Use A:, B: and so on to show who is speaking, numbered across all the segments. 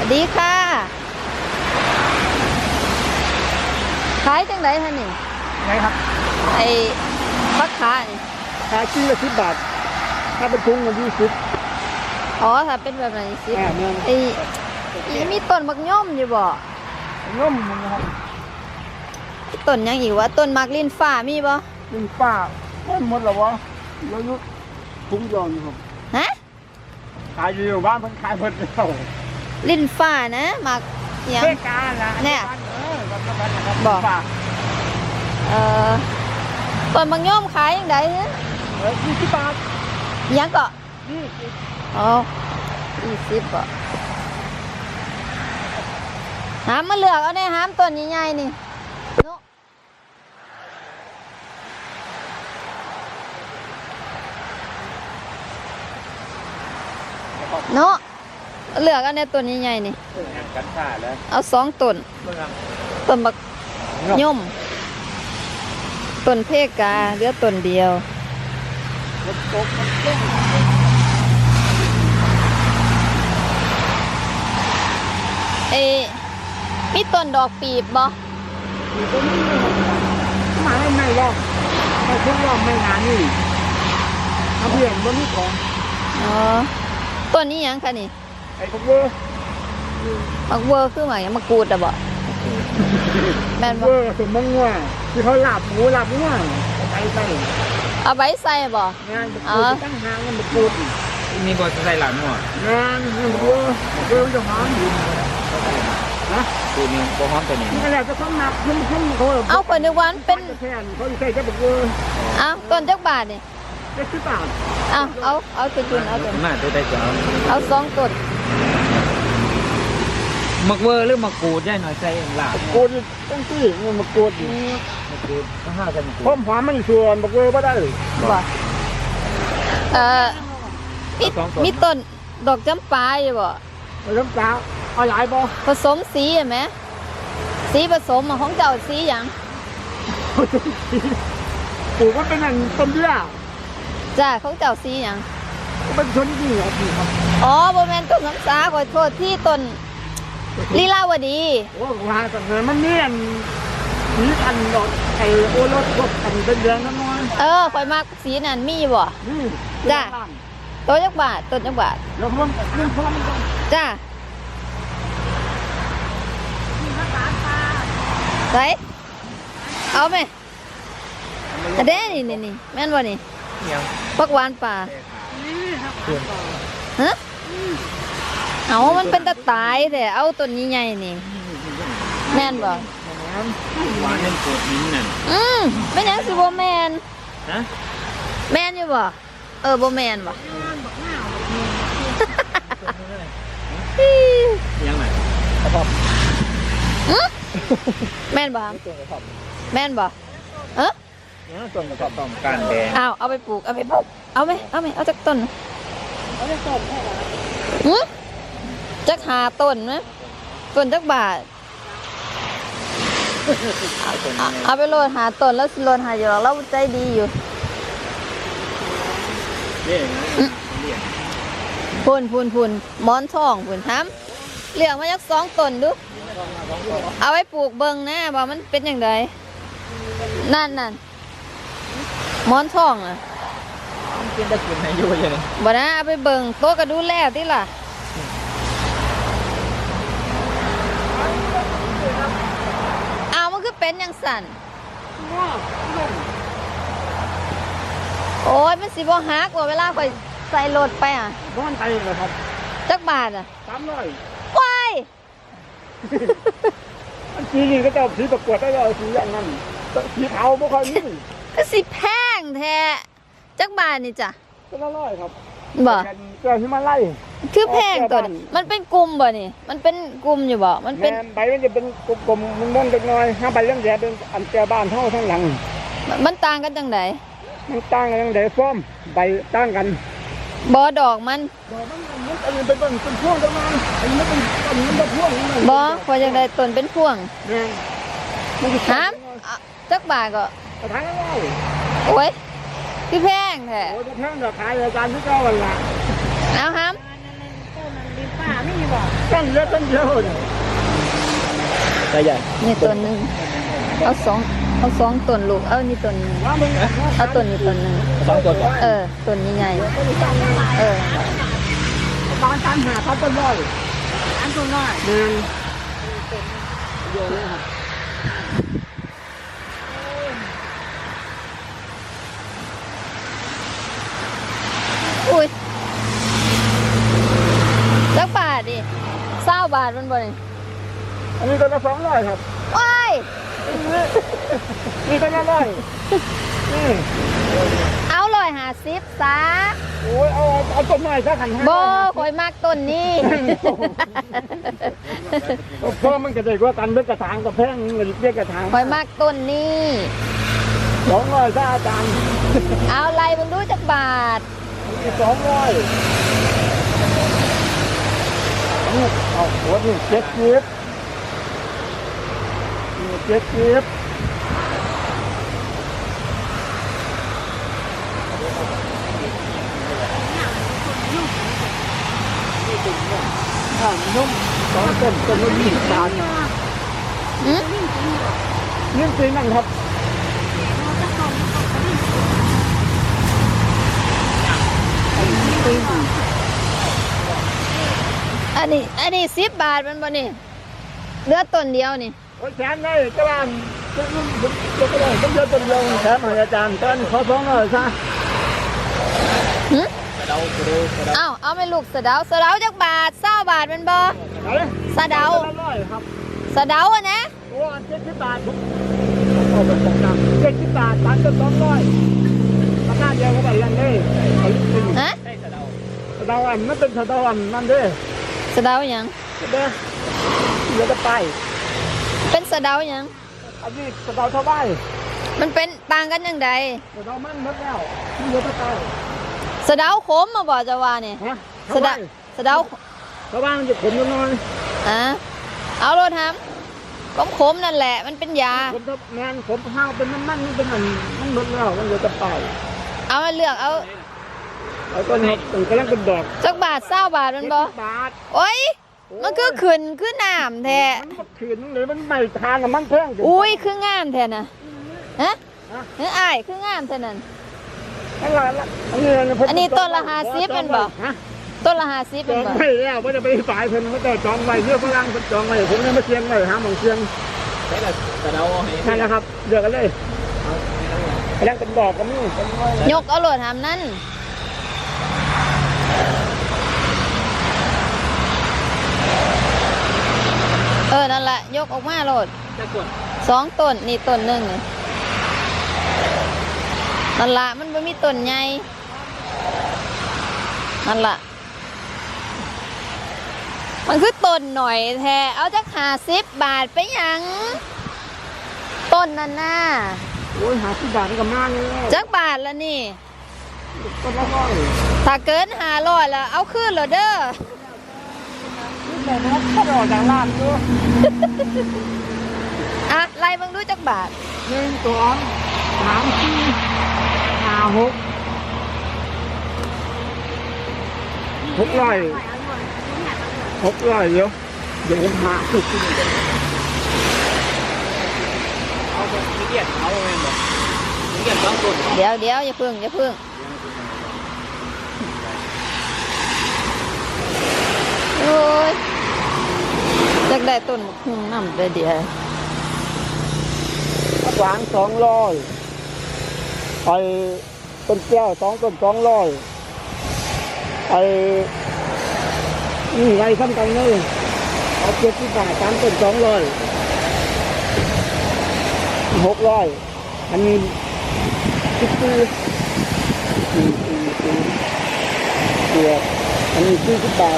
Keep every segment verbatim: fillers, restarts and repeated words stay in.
A: สวัสดีค่ะขายจังไรท่านนี่
B: ไงครับ
A: ไอ้พักขานี่
B: ขายชิ้นละสิบบาทถ้าเป็นถุงมันยี่สิบ
A: อ๋อถ้าเป็นแบบไหนสิ
B: อ่าเนี่ย
A: ไอ้อีมีต้นมักย่อมอยู่บ่
B: ย่อมนะครับ
A: ต้นยังอีกวะต้นมักลิ้นฟ้ามีบ่
B: ลิ้นฟ้าไม่หมดหรอวะแล้วยุถุงยอนครับ
A: ฮะ
B: ขายอยู่บ้านเพิ่นขายเพิ่นเท่า
A: ลิ้นฟ้านะมักยัง
B: เทกาละ
A: เนี่ย
B: บอก
A: เอ่อต้นมักย่อมขายยังไงเนี่ย
B: เออยี่สิบบาท
A: ยังก็
B: ยี่สิบ
A: อ๋อยี่สิบบ่หามมาเลือกเอาเนี่ยหามต้นใหญ่ๆนี่เนาะเลือกเอาเนี่ยต้นใหญ่ๆนี่
B: กันขาดแล้ว
A: เอาสองต้นต้นบักย่อมต้นเพกาเหลือต้นเดียวเอมีต้นดอกปีบบ่
B: มีต้นนี้มาให้ไม่รอบไม่ทุกรอบไม่งานนี่ทำเพื่อนบนนี้ของ
A: อ๋อต้นนี้ยังคะนี่
B: ไอ้พวกเวอร์
A: มักเวอร์คือหมายมักกูดอะบ่แม่นบ่
B: เวอร์สมมติว่าที่เขาหลับหมูหลับง่วงไปไป
A: เอาไว้ใส่บ่
B: งานอ๋อตั้งหางมันกูด
C: มีบอสใส่หลังหัว
B: งานมันเวอร์เวอร์จะหอมอยู่
C: นะตัวนี้บอหอมตัวนี้
B: นี่แหละจะต้องนับขึ้นขึ้นเขา
A: เอาคนนึกว่าเป็น
B: แค่เขาใส่แค่แบบเวอร์
A: เอาต้นจักบาทนี่
B: ได้สิบบาท
A: เอาเอาเอาจุนเอาจุน
C: มาตัวได้จ้า
A: เอาสองต้น
C: มักเวอร์หรือมักกูดได้หน่อยใส่หลัง
B: กูดต้องซื้อมันมักกูด
C: มักกูดต้องห้ากัน
B: พร้อมหอมมันส่วนมักเวอร์ก็ได้
A: บ่เอ่อมีมีต้นดอกจำปาอยู่บ่
B: จำปาเอาหลายบ่
A: ผสมสีเห็นไหมสีผสมของเจ้าสีอย่าง
B: ปลูกมันเป็นอันต้นเบี้ย
A: จ้าของเจ้าสีอย่าง
B: เป็นชนที่เหรอพี่ครับ
A: อ๋อโบแมนต้นน้ำสาขอโทษที่ต้นลีลาวดี
B: โอ้ว่าแต่เงินมันเนียนสีอันดอกไอ้โอรสพวกอันเป็นแดงน้อย
A: เออคอยมากสีนั่นมีบ่จ้าตัวยักบาทต้นยักบาท
B: แล้วมันเรื่องพร้อมกัน
A: จ้าใส่เอาไหมอันเด้นี่นี่นี่แม่นบ่นี่ปักหวานป่าฮะเอามันเป็นตะตายแต่เอาต้นใหญ่ๆนี่แม่นบ่
C: หวานเป็นโกดหินนั่น
A: อืมไม่ยังสิบ่แม่น
C: ฮะ
A: แม่นอยู่บ่เออบ่แม่นบ่
C: ยังไง
B: ครับ
A: แม่นบ่แม่นบ่เออ
C: ต้นกระป๋องก้านแดง
A: เอาเอาไปปลูกเอาไปปลูกเอาไหมเอาไหมเอาจากต้น
B: เอาจากต้นแค่ไหน
A: หือจักหาต้นไหมต้นจักบาทเอาไปโรยหาต้นแล้วโรยหาอยู่หรอกเราใจดีอยู่พูนพูนพูนหมอนทองพูนห้ำเลี้ยงมาจากสองต้นดูเอาไว้ปลูกเบิ่งนะว่ามันเป็นอย่างไรนั่นนั่นหมอนทองอ่ะ
C: กินได้กินให้อยู่ยัง
A: บ่นะเอาไปเบิ่งโต๊ะก็ดูแลที่ล่ะเอามันคือเป็นอย่างสั่นโอ้ยมันสิบ่ฮักว่าเวลาไปใส่รถไปอ่ะ
B: บ้านไทยเลยครับ
A: จักบาทอ่ะ
B: สามร้อย
A: ว้าย
B: อันสีนี่ก็จะสีประกวดได้เลยสีอย่างนั้นสีเทาไม่ค่อยมี
A: ก็สิแพงแท้จักบาทนี่จ้ะ
B: ก็ละร้อยครับ
A: บ่
B: เกลือที่มาไล่
A: คือแพงตัวนี้มันเป็นกลุ่มบ่นี่มันเป็นกลุ่มอยู่บ่มันเป็น
B: ใบมันจะเป็นกลมๆม่วงๆเล็กน้อยห้าใบเรื่องแย่เป็นอันแก่บ้านเท่าทั้งหลัง
A: มันต่างกันจังได
B: มันต่างกันจังไดฟ้อมใบต่างกัน
A: บ่ดอกมัน
B: ดอกมันมันอันนี้เป็นต้นเป็นพวงจังมันอันนี้เป็นต้นมันเป็นพวง
A: บ่พอจังไดต้นเป็นพวง
B: ฮะ
A: จักบาทก็
B: ขายได้
A: โอ้ยคือแพงแท้
B: โอ้ยแพงเดี๋ยวขายรายการที่เก้าวันละ
A: เอาห้าม
B: ต้นมันดีป้าไม่มีบอกต้นเล็กต้นเดียวเนี่ย
C: ใช่ใหญ่
A: นี่ต้นหนึงเอาสองเอาสองต้นลูกเอานี่ต้นหนึง
B: ว่ามึง
A: เอาต้นนี้ต้นหนึง
C: สองตัวก่อน
A: เออต้นนี้ใหญ่เออ
B: บ้านการหาเขาต้นร้อยอันต้นร้อยหนึ่งเยอะเลยครับ
A: อุ้ยจักบาทดิเศร้าบาทมันบ่นี่
B: อันนี้ต้นละสองร้อยครับ
A: ว้าย
B: นี่ต้นละร้อยนี่
A: เอาร้อยห้าสิบซะ
B: โอ้ยเอาเอาต้นไม้ซะขันห้า
A: บ่ข่อยมักต้นนี้
B: เพราะมันจะได้กว่ากันเลือกกระถางกับแพงเงินเรียกกระถาง
A: ข่อยมักต้นนี้
B: สองร้อยซะอาจารย์
A: เอาไรมึงดูจักบาท
B: สองร้อยนี่เอาหัวนี่เจ็ดสิบนี่เจ็ดสิบอ่านุ่มสองต้นต้นละยี่สิบบาท
A: อืม
B: นี่จริงนั่นครับ
A: อันนี้ อันนี้สิบบาทมันบ่นี่เหลือต้นเดียวนี่
B: โอ้ยแชมป์เลยกระลานจะรุ่นจะกระลานต้องเยอะต้นเดียวแชมป์อาจารย์ตอนขอสองหน่อยซะ
A: หึ
C: กระเดากระเดากระเดา
A: เอาเอาไปลูกสะเดาสะเดาจักบาทเศร้าบาทมันบ่
B: ไหน
A: สะเดา
B: ต้นละร้อยครับ
A: สะเดาอะนะ
B: โอ้เจ็ดสิบบาทผมเอาไปสองตังเจ็ดสิบบาทตันก็สองร้อยราคาเดียวก็ไปยังได้เอาลิ้นกิน
A: ฮะ
C: ใช่กระเดา
B: สะเดาอันมันเป็นสะเดาอันนั่นเด้
A: สะเดาหยัง
B: เด้เดี๋ยวจะไป
A: เป็นสะเดาหยัง
B: อันนี้สะเดาเท่าไหร่
A: มันเป็นต่างกันยังไง
B: สะเดามันหมดแล้วเดี๋ยวจะไป
A: สะเดาขมมาบ่จะว่านี่
B: ฮะ
A: สะเดาสะเดา
B: เท่าไหร่มันจะขมยังน้อย
A: อ่ะเอาโลดทำขมขมๆนั่นแหละ มันเป็นยา
B: ผมถ้าแมนผมห้าวเป็นน้ำมันนี่เป็นอันมันหมดแล้วมันเดี๋ยวจะไป
A: เอามาเลือกเอา
B: แล้วก็เนี่ยตึงกำลังเป็นดอก
A: จักบาทเศร้าบาทมันบ่
B: เจ็ดสิบบาท
A: โอ้ย มันคือขึ้นคือน้ำแท้
B: มันก็ขืนเลยมันไม่ทานกับมันแพงจัง
A: อุ้ยคืองามแท้น่ะฮะเฮ้ยอ้ายคืองามแท้นั่น
B: อันละละอันนี้ผม
A: อันนี้ต้นละห้าสิบเป็นบ่
B: ฮะ
A: ต้นละห้าสิบ
B: จ
A: เป็น
B: อง
A: บ่
B: ไว้แล้วว่าจะไปฝ่ายเพิ่นเขาจะจองไว้เรื่องฝรั่งเพิ่นจองไว้ผมยังไม่เชียงไว้หาหมองเชียง
C: ใช่กระเดาให้
B: นั่นแหละครับเดือกกันเลยกำลังเป็นดอกกันนี่
A: ยกเอาโลดทำนั่นเออ นั่นแหละยกออกมาโลด
C: จะกด
A: สองต้นนี่ต้นหนึ่งนี่นั่นละมันไม่มีต้นใหญ่นั่นละมันคือต้นหน่อยแท้เอาจักหาสิบบาทไปหยังต้นนั่นน่ะ
B: โอ้ยหาที่บาทนี่ก็มากเลย
A: จักบาทละนี่
B: ต้นละร้อย
A: ถ้าเกินหาร้อยแล้วเอาขึ้นเหรอเด้อ
B: นี่แต่มันก็รอจากร้านอยู่
A: อ่ะไล่เบังดูจักบาท
B: หนึ่งสองสามสี่ห้าหกหกร้อยหกร้อยเดี๋ยวเดี๋ยวผมหาสุด
C: เอาไปเกียดเอาไปหมดเกียดสองต้น
A: เดี๋ยวเดี๋ยวอย่าพึ่งอย่าพึ่งโอ้ยจักได้ต้นมะฮุ่งน้ำเดี๋ยวเดี๋ยว
B: หวานสองร้อยไอ้ต้นแก้วสองต้นสองร้อยไอ้นี่ไรซ้ำกันเลยเอาเจ็ดสิบบาทสามต้นสองร้อยหกร้อยอันนี้สิบสี่สี่สี่สี่เกียรอันนี้สี่สิบบาท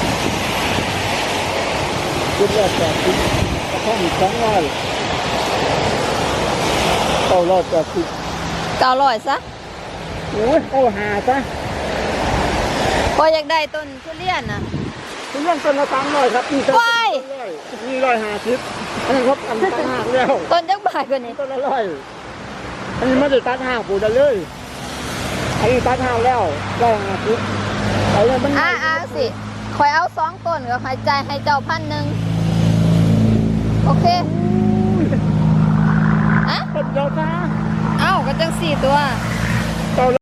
B: คิดว่าแปดสิบกระท่อมสองร้อยเก้าร้อยแปดสิบ
A: เก้าร้อยซะ
B: โอ้ยเอาหาซะ
A: พออยากได้ต้นทุเรียนน่ะ
B: คุณเรื่องต้นละสามร้อยครับนี่ต้น
A: ว้าย
B: นี่ร้อยห้าสิบอันนี้ครับอันนี้ตัดห้างแล้ว
A: ต้นจักบาทกว่านี้
B: ต้นละร้อยอันนี้ไม่ได้ตัดห้างปูได้เลยอันนี้ตัดห้างแล้วร้อยห้าสิบเอาเลยมัน
A: อ่าอ่าสิคอยเอาสองต้นก็หายใจให้เจ้าพันหนึ่งโอเคอะ
B: ต้นเดียวนะ
A: เอ้าก็จังสี่ตัว